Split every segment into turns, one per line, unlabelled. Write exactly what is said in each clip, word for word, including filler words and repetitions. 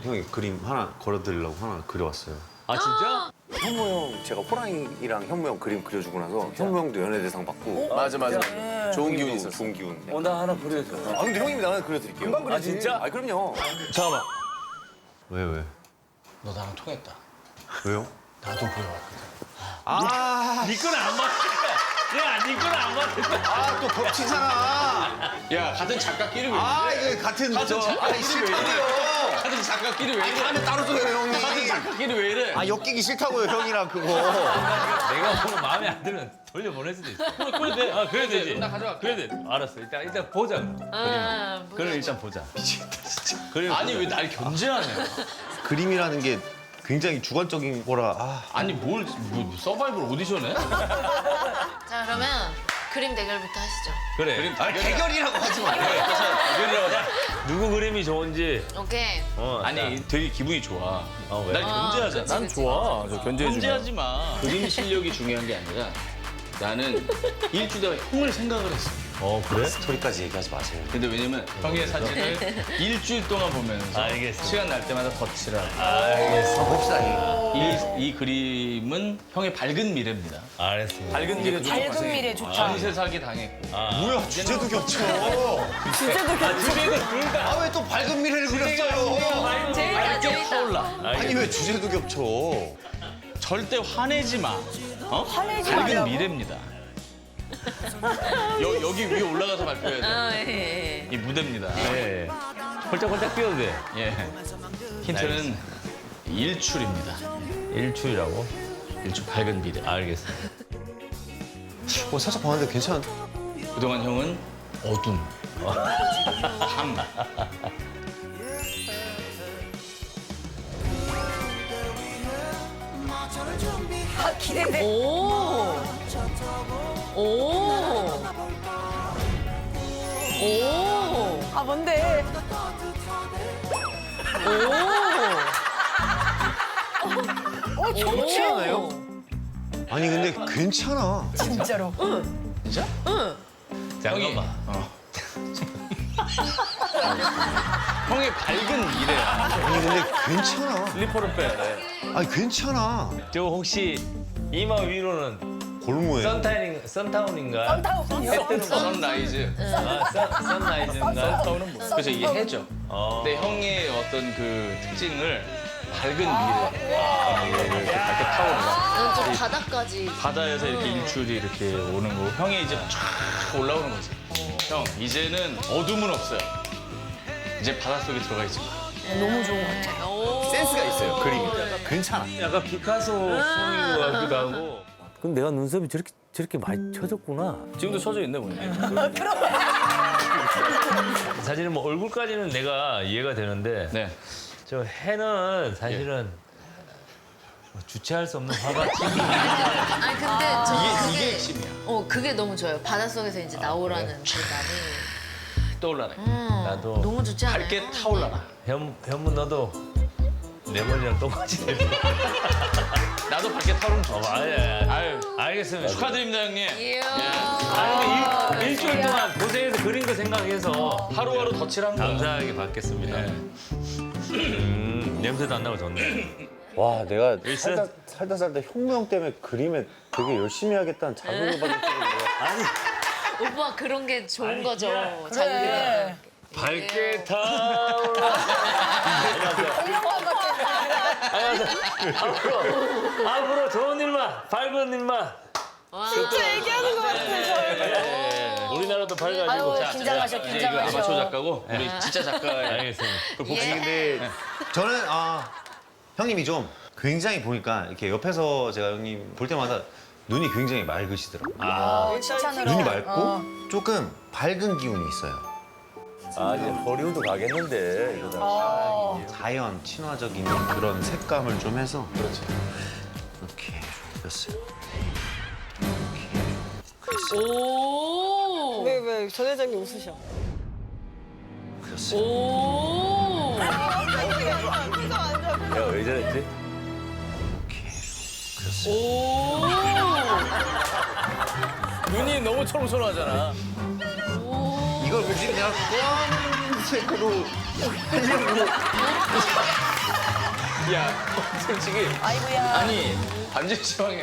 형이 그림 하나 걸어드리려고 하나 그려왔어요.
아 진짜?
현무 형 제가 호랑이랑 현무 형 그림 그려주고 나서 현무 형도 연예대상 받고
맞아 맞아. 좋은 기운이
형님도
있었어.
좋은 기운.
어, 나 하나 그려줘.
아 근데 형님이 나는 그려드릴게요.
금방 그리지.
아, 진짜?
아 그럼요.
잠깐만.
왜 왜?
너 나랑 통했다.
왜요?
나도 그려왔거든.
아,
네 거는 안 맞을 거야. 야, 네 거는 안 맞을 거야.
아, 또 겹치잖아.
야 같은 작가끼리 왜
아,
이래?
이거 같은
같은
저
작가끼리
아니
왜 이래?
싫다고요.
같은 작가끼리 왜 이래?
다음에 따로 줘요, 형님.
같은 작가끼리 왜 이래?
아, 엮이기 싫다고요, 형이랑 그거.
내가 오늘 마음에 안 들면 돌려보낼 수도 있어. 그래, 그래 돼. 아, 그래 되지.
나 가져갈게.
그래 돼. 알았어. 일단 일단 보자. 그럼.
아,
그림. 그럼 일단 보자. 미치겠다 진짜. 그림
아니
보자.
왜 날 견제하냐?
그림이라는 게 굉장히 주관적인 거라. 아,
아니 뭘 뭐, 서바이벌 오디션해?
자, 그러면 그림 대결부터 하시죠.
그래.
그림
아니, 대결이라고 하지 마.
대결이라고 하자. 누구 그림이 좋은지.
오케이.
어,
아니 되게 기분이 좋아.
어, 왜?
날 견제하잖아.
그치, 그치.
좋아. 저 견제해주면.
견제하지 마. 그림 실력이 중요한 게 아니라 나는 일주일 동안 형을 생각을 했어.
어 그래?
스토리까지 얘기하지 마세요.
근데 왜냐면 형의 사진을 일주일 동안 보면서
알겠어.
시간 날 때마다 덧칠하고
알겠어.
봅시다, 이거.
이, 이 그림은 형의 밝은 미래입니다.
알겠습니다.
밝은 미래 좋은
밝은 미래 좋다.
전세 사기 당했고
뭐야, 주제도 겹쳐.
주제도 괜찮아.
주제도 둘 다.
아, 왜 또 밝은 미래를 그렸어요?
재밌다,
밝게
재밌다.
타올라.
아니, 왜 주제도 겹쳐?
절대 화내지 마. 어?
화내지
밝은
말라고?
미래입니다. 여, 여기 위에 올라가서 발표해야 돼.
아, 예, 예.
이 무대입니다.
네. 홀짝홀짝 뛰어도 돼.
예. 힌트는 일출입니다.
일출이라고?
일출 밝은 미래.
알겠어.
어, 살짝 봤는데 괜찮.
그동안 형은 어둠, 밤.
아, 기대돼.
오. 오. 오.
아, 뭔데?
오.
어, 좋지 않아요?
아니, 근데 괜찮아.
진짜로.
진짜?
잠깐만.
어. 형의 밝은 미래야.
아니, 근데 괜찮아.
슬리퍼를 빼.
아니, 괜찮아.
저 혹시 이마 위로는
골무예요.
선타인, 선타운인가?
선타운이요?
해 뜨는 거.
선라이즈.
아, 선, 선라이즈인가?
그래서 이게 해죠.
어.
근데 형의 어떤 그 특징을 밝은 미래. 아, 이렇게 밝게 타오르다.
나는 좀 바닥까지.
바다에서 이렇게 일출이 이렇게 오는 거고 형이 이제 쫙 올라오는 거지. 형 이제는 어둠은 없어요. 이제 바닷속에 들어가 있지 마.
너무 좋은 것 같아.
오.
센스가 있어요, 그림이. 괜찮아.
약간 피카소 풍인 것 같기도 하고. 그럼 내가 눈썹이 저렇게 저렇게 많이 쳐졌구나.
지금도 쳐져 있네 보니.
사실은 뭐 얼굴까지는 내가 이해가 되는데
네.
저 해는 사실은 뭐 주체할 수 없는 화같이.
아니, 근데 저
이게
그게,
이게 핵심이야.
어, 그게 너무 좋아요. 바닷속에서 이제 나오라는 그 감이.
떠올라라.
음,
나도
너무 좋지 않아요?
밝게 타올라라.
현, 현무 너도 내 머리랑 똑같이 돼.
나도 밝게 타오르면
어,
좋지.
아니, 아니,
아유
알겠습니다.
축하드립니다 형님.
이야.
아니, 근데 일, 일주일 동안 고생해서 그린 거 생각해서
하루하루 덧칠한 거야.
감사하게 받겠습니다.
네.
음, 냄새도 안 나고 좋네.
와, 내가
일단-
살다, 살다 살다 현무 형 때문에 그림에 되게 열심히 하겠다는 자극을 받을 때인데.
아니,
오빠 그런 게 좋은 거죠.
그래.
자기가.
밝게 타올라. 앞으로, 앞으로 좋은 일만, 밝은 일만.
와.
진짜 얘기하는 것 같아.
우리나라도 밝아지고.
아유,
자,
긴장하셔,
이제 이거
긴장하셔.
아마추어 작가고 우리 진짜 작가의
알겠습니다.
그 복싱.
예.
근데 저는 아 형님이 좀 굉장히 보니까 이렇게 옆에서 제가 형님 볼 때마다 눈이 굉장히 맑으시더라고요.
어, 칭찬으로.
눈이 맑고
어.
조금 밝은 기운이 있어요.
아, 이제 허리우드 가겠는데, 이러다.
어.
자연 친화적인 그런 색감을 좀 해서 그렇죠. 이렇게 그렸어요.
오.
왜, 왜, 전 회장님 웃으셔?
그렸어요.
오.
내가 왜 저랬지?
그렸어요.
오.
눈이 너무 초롱초롱하잖아.
이걸 굳이 그냥 검은색으로 하려고
야, 솔직히
아이고야.
아니 반지 시황에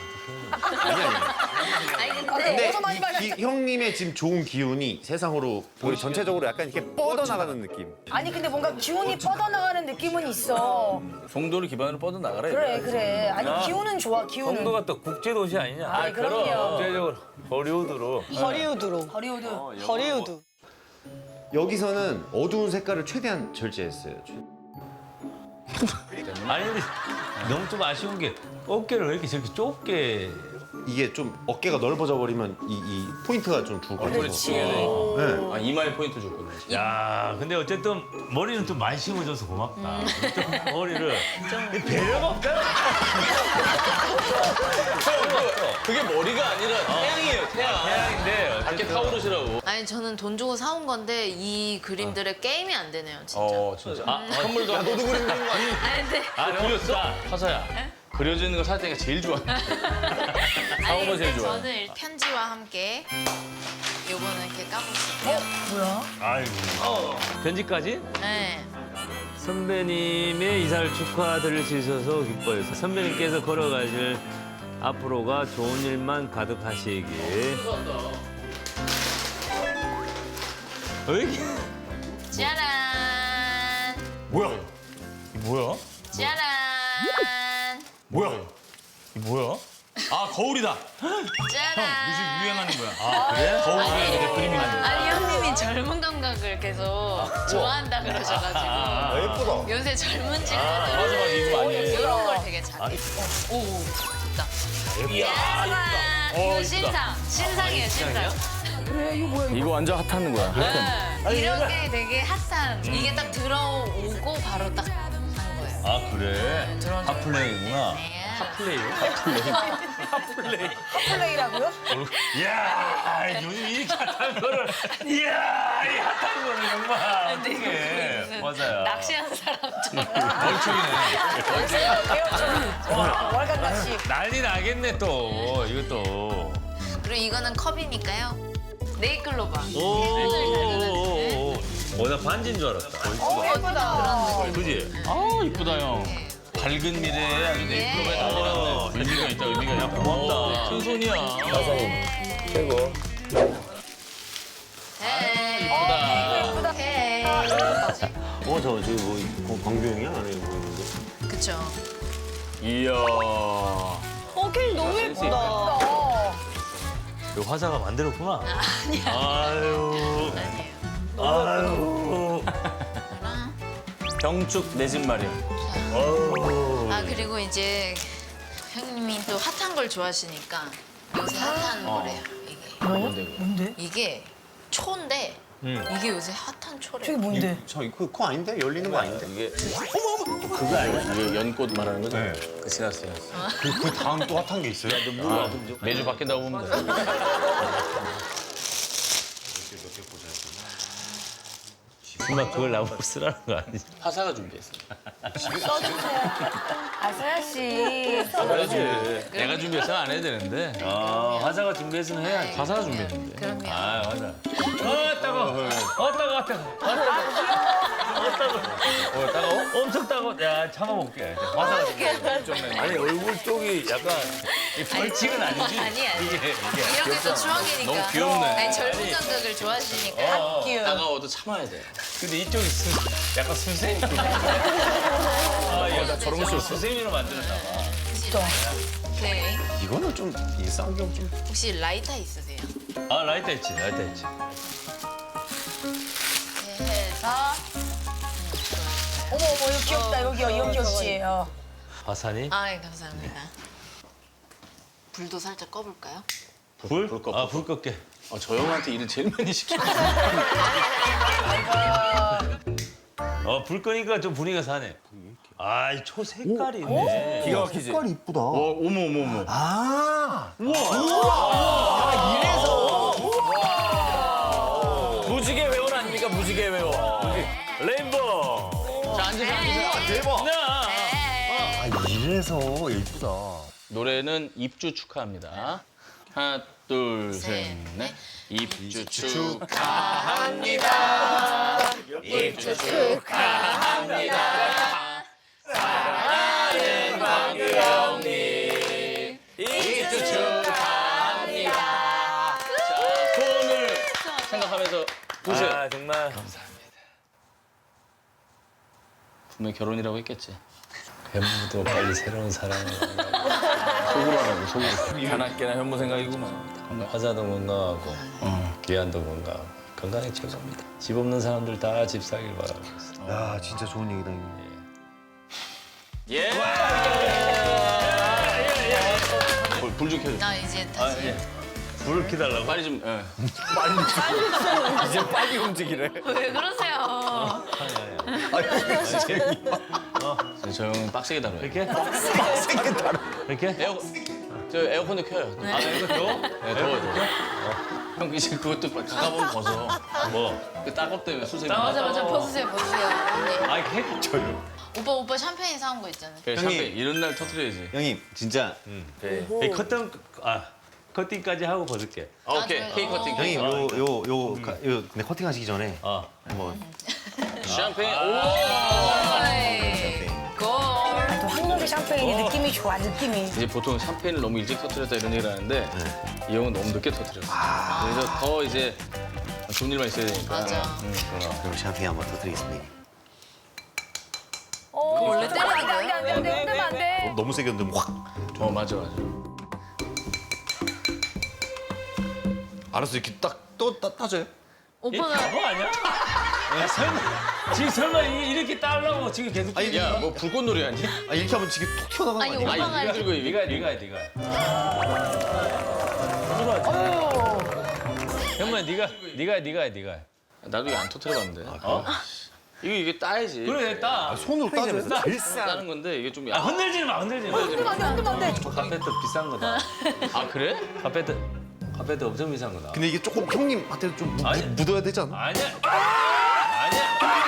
아니 근데
근데
어서 많이
이
말해.
기- 형님의 지금 좋은 기운이 세상으로 우리 전체적으로 약간 이렇게 뻗어나가는 느낌.
아니 근데 뭔가 기운이 뻗어나가는 느낌은 있어.
송도를 기반으로 뻗어 나가라.
그래 그래. 아니
야.
기운은 좋아 기운은.
송도가 또 국제도시 아니냐?
아, 그럼요.
국제적으로 허리우드로.
허리우드로.
허리우드.
허리우드.
여기서는 어두운 색깔을 최대한 절제했어요.
아니 근데 너무 좀 아쉬운 게 어깨를 왜 이렇게 저렇게 좁게.
이게 좀 어깨가 넓어져 버리면 이, 이 포인트가 좀 죽을 것 같아서.
그렇지.
네.
아, 이마에 포인트 줬거든.
야, 근데 어쨌든 머리는 좀 많이 심어줘서 고맙다. 좀 머리를 배려가 없다.
그게 머리가 아니라 태양이에요, 태양.
태양인데
밖에 타오르시라고.
아니 저는 돈 주고 사온 건데 이 그림들의 게임이 안 되네요 진짜.
어, 진짜. 아, 선물도. 야, 너도 그림 그린 거 아니야?
아니 근데
아,
그렸어? 화사야. 그려지는 거 살 때가 제일 좋아.
아니
사오가 제일
근데
좋아요.
저는 일- 편지와 함께 요거는 이렇게 까보실게요.
뭐야?
아이고. 편지까지?
네.
선배님의 이사를 축하드릴 수 있어서 기뻐요. 선배님께서 걸어가실 앞으로가 좋은 일만 가득하시길. 어이?
짜란.
뭐야? 이 뭐야?
짜란.
뭐야? 이 뭐야? 아, 거울이다.
짜란.
요즘 유행하는 거야. 아, 그래? 거울에 이렇게 그림이 나는 거야.
아니 형님이 젊은 감각을 계속 좋아한다 그러셔가지고
예쁘다.
요새 젊은
맞아, 맞아.
친구들은
이거 많이 해.
이런 걸 되게 잘해. 오, 오, 좋다. 짜란. 이거 신상, 신상이에요, 신상.
이거 완전 핫하는 거야.
네. 이런 게 되게 핫한. 이게 딱 들어오고 바로 딱 한 거예요.
아, 그래?
들어온 적
핫플레이구나.
네.
핫플레이.
플레이라고요?
이야, 요즘 이렇게 핫한 거를. 이야, 이 핫한 거를 정말.
근데 이거
어떡해.
무슨
맞아요.
낚시하는 사람처럼.
월간 낚시.
난리 나겠네, 또. 이것도.
그리고 이거는 컵이니까요. 네이클로바.
오. 어, 나 반지인 줄 알았다.
어 예쁘다.
그지?
아, 이쁘다, 형.
네.
밝은 미래에 아주 네이클로바에 달려놨네. 의미가 있다, 의미가 있다.
고맙다.
큰 손이야.
최고.
네.
이쁘다.
오케이.
어, 저 지금 뭐 광규형이야? 아니 보이는데.
그쵸.
이야.
어, 케이크 너무 예쁘다.
그 화사가 만들었구나.
아니야.
아유.
아니에요.
아유.
그랑
병축 내 집 마련.
아 그리고 이제 형님이 또 핫한 걸 좋아하시니까 요새 핫한 거래요. 이게.
뭔데?
이게 초인데
음.
이게 요새 핫한 초래요.
저게 뭔데?
저 이거 그거 아닌데? 열리는 거 아닌데?
이게 그거 아니야? 이게 연꽃 말하는 거죠?
네.
그 지났어요.
그, 그 다음 또 핫한 게 있어요?
아, 매주 바뀐다고 보면 돼.
정말 그걸 나보고 쓰라는 거 아니지?
화사가 준비했어.
아서야 씨.
그래야지. 내가 준비해서는 안 해야 되는데.
아, 화사가 준비했으면 해야지.
화사가 준비했는데.
그럼요.
아, 맞아. 어, 따가워. 어, 따가워, 따가워. 어, 따가워.
어, 따가워?
엄청 따가워. 야, 참아볼게. 화사가 준비했어. 아니, 얼굴 쪽이 약간 이 벌칙은 아니지?
아니 아니.
이게, 이게.
이런 게 또 추억이니까.
너무 귀엽네.
아니 젊은 감각을 좋아하시니까.
어,
따가워도 참아야 돼.
근데 이쪽이 수, 약간 수세미. 아, 얘가 저런 거 수세미로 만들었나 봐.
오케이.
이거는 좀 일상경 좀.
혹시 라이터 있으세요?
아, 라이터 있지, 라이터 있지.
이렇게 해서
어머 어머 이거 귀엽다 여기요 이거 귀엽지. 어.
화산이?
아 예, 감사합니다. 불도 살짝 꺼볼까요?
불?
불 꺼,
아, 불 껐게.
어, 저 형한테 일을 제일 많이 시켜.
어, 불 끄니까 좀 분위기가 사네. 아, 이 초 색깔이 있네.
기가 막히지? 색깔이 이쁘다.
어, 어머, 어머, 어머.
아.
무지개 회원 아닙니까? 무지개 회원. 레인보우.
자, 앉으세요, 앉으세요.
대박.
나.
네.
아, 이래서 예쁘다.
노래는 입주 축하합니다. 하나, 둘, 셋, 넷. 입주 축하합니다. 입주 축하합니다. 보세요.
아 정말
분명 결혼이라고 했겠지.
현무도 빨리 새로운 사랑을
속으로 하라고 속으로.
가난깨나 현무 생각이구만.
화자도 건강하고 귀한도 건강하고 건강이 최고입니다. 집 없는 사람들 다 집 사길 바라고 있습니다.
야 진짜 좋은 얘기다 형님.
예. 불, 불좀 켜줘.
나 이제 다시.
불을 켜달라고?
빨리 좀. 예.
이제 빨리 움직이래.
왜 그러세요?
저 형은 빡세게 다뤄요.
이렇게? 이렇게?
에어 저 에어컨도 켜요.
아, 이거 더워?
네, 더워요. 더워. 형 이제 그것도 가가보면 벗어.
뭐?
그 따갑 때문에 수세미.
맞아 맞아 벗으세요 벗으세요 언니.
아, 이렇게? 저요.
오빠 오빠 샴페인 사온 거 있잖아.
그래,
형님.
샴페인 이런 날 터트려야지.
형님 진짜
이 커튼, 아, 커팅까지 하고 벗을게.
아, 오케이.
아,
케이크 커팅.
형님
케이크
요 요 요 요 근데 커팅 하시기 전에
어.
한번
커팅. 샴페인. 오.
어이, 골.
또 한국의 샴페인이 느낌이 좋아 느낌이.
이제 보통 샴페인을 너무 일찍 터트렸다 이런 얘기를 하는데 이 형은 너무 늦게 터트렸어. 그래서 더 이제 좋은 일만 있어야 되니까.
맞아.
응.
그럼 샴페인 한번 터뜨리겠습니다.
어,
원래
안돼 안돼 안돼 안돼 흔들면 안 돼.
너무 세게 흔들면 확.
어 맞아 맞아.
알았어 이렇게 딱 또 따져요?
이게
오빠가
바보 아니야? 야, 설마, 지금 설마 이- 이렇게 따려고 지금 계속.
아니
야 뭐 불꽃놀이 아니?
아 이렇게 하면 지금 툭 튀어나가는 거
아니,
아니야?
오빠가
아니 이거 들고
네가,
이거
네가, 네가. 형만 네가, 네가, 네가, 네가.
나도 이거 안 터트려봤는데. 어? 이거 이게 따야지.
그래, 따.
손으로 따져서 제일 싸.
따는 건데 이게 좀.
아, 흔들지는 마, 흔들지 마.
흔들면 안 돼 흔들면 안 돼.
카페트 비싼 거다.
아 그래?
카페트, 카페트 엄청 비싼 거다.
근데 이게 조금 형님 한테 좀 묻,
아니.
묻어야 되지 않아?
아니야. 아니야.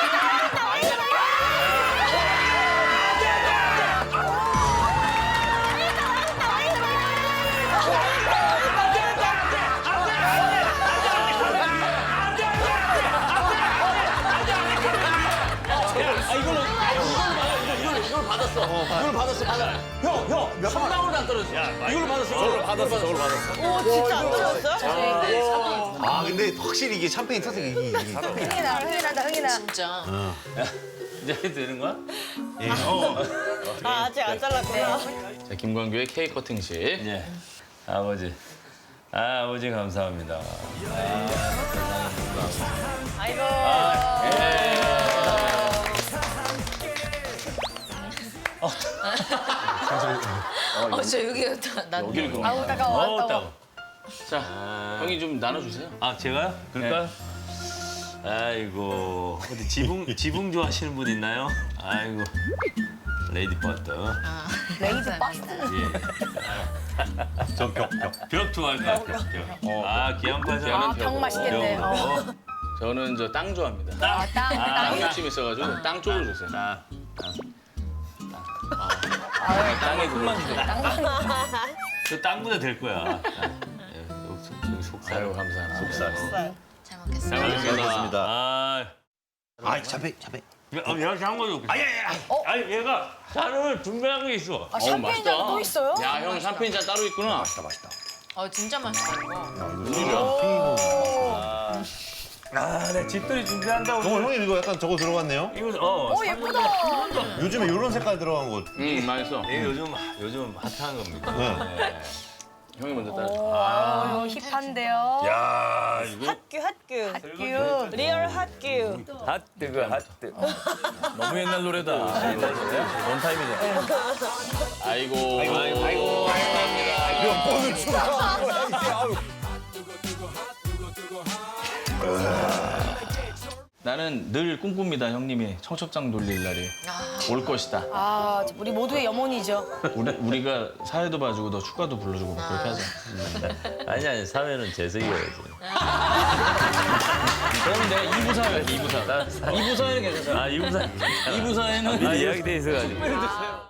이걸 받았어. 이걸 받았어. 받아. 형, 형, 한 방울도 안 떨어졌어. 이걸로 받았어. 저걸로 받았어. 저걸로 받았어.
오 진짜 안 들었어요?
아 근데 확실히 이게 샴페인 터뜨리 이게 이게
흥이 나 흥이 난다 흥이 나.
진짜.
이제 해도 되는 거야?
아 아직 안 잘랐구나.
자, 김광규의 케이크 커팅식.
예. 아버지. 아, 아버지 감사합니다.
아이고.
어 저 여기 난.
여기를 그럼.
아우 따가워
어,
따가워.
따고.
자, 형이 좀 나눠주세요.
아, 제가요? 그럴까요? 아이고, 어디 지붕, 지붕 좋아하시는 분 있나요? 아이고, 레이디 버터.
레이드 박스.
예. 저 벽, 벽. 벽 좋아할 것 같아요, 벽. 아, 기안파사.
기안은
아, 병 맛있겠네.
벽.
어.
저는 저 땅 좋아합니다.
아, 땅,
아,
땅.
땅 욕심 있어가지고 땅 쪽으로 주세요.
아,
땅에 그만 주세요.
저 땅보다 될 거야. 아, 예, 여기, 여기 속살.
아유, 감사합니다. 속살.
잘 먹겠습니다.
잘
먹겠습니다.
아,
아 샴페인 샴페인.
야, 얘가 잘한 거도 없겠어. 아니, 아니, 아니, 아니, 얘가 잔을 준비한 게 있어.
아, 샴페인 잔 또 있어요?
야, 형 샴페인 잔 따로 있구나.
맛있다 맛있다.
어 진짜 맛있다 이거.
웬일이야?
아, 내 집들이 준비한다고.
정말 형님 이거 약간 저거 들어갔네요?
이거, 어.
오 예쁘다.
요즘에 이런 색깔 들어간 거.
응, 맛있어.
이게 요즘, 요즘 핫한 겁니다.
네.
네.
형이 먼저 따라.
오 힙한데요.
야, 이거.
핫규 핫규.
큐.
리얼 핫규.
핫뜨그 핫뜨. 너무 옛날 노래다. 원타임이잖아.
아이고. 아이고. 아이고. 나는 늘 꿈꿉니다, 형님이 청첩장 돌릴 날이 올 것이다.
아 우리 모두의 염원이죠.
우리, 우리가 사회도 봐주고 너 축가도 불러주고 막 그렇게 하자.
아니, 아니, 사회는 재석이어야지.
그럼 내가 이 부 사회, 이 부 사회. 이 부 사회는 괜찮잖아.
아, 이부사.
이 부 사회는
아, 이야기 돼 있어가지고.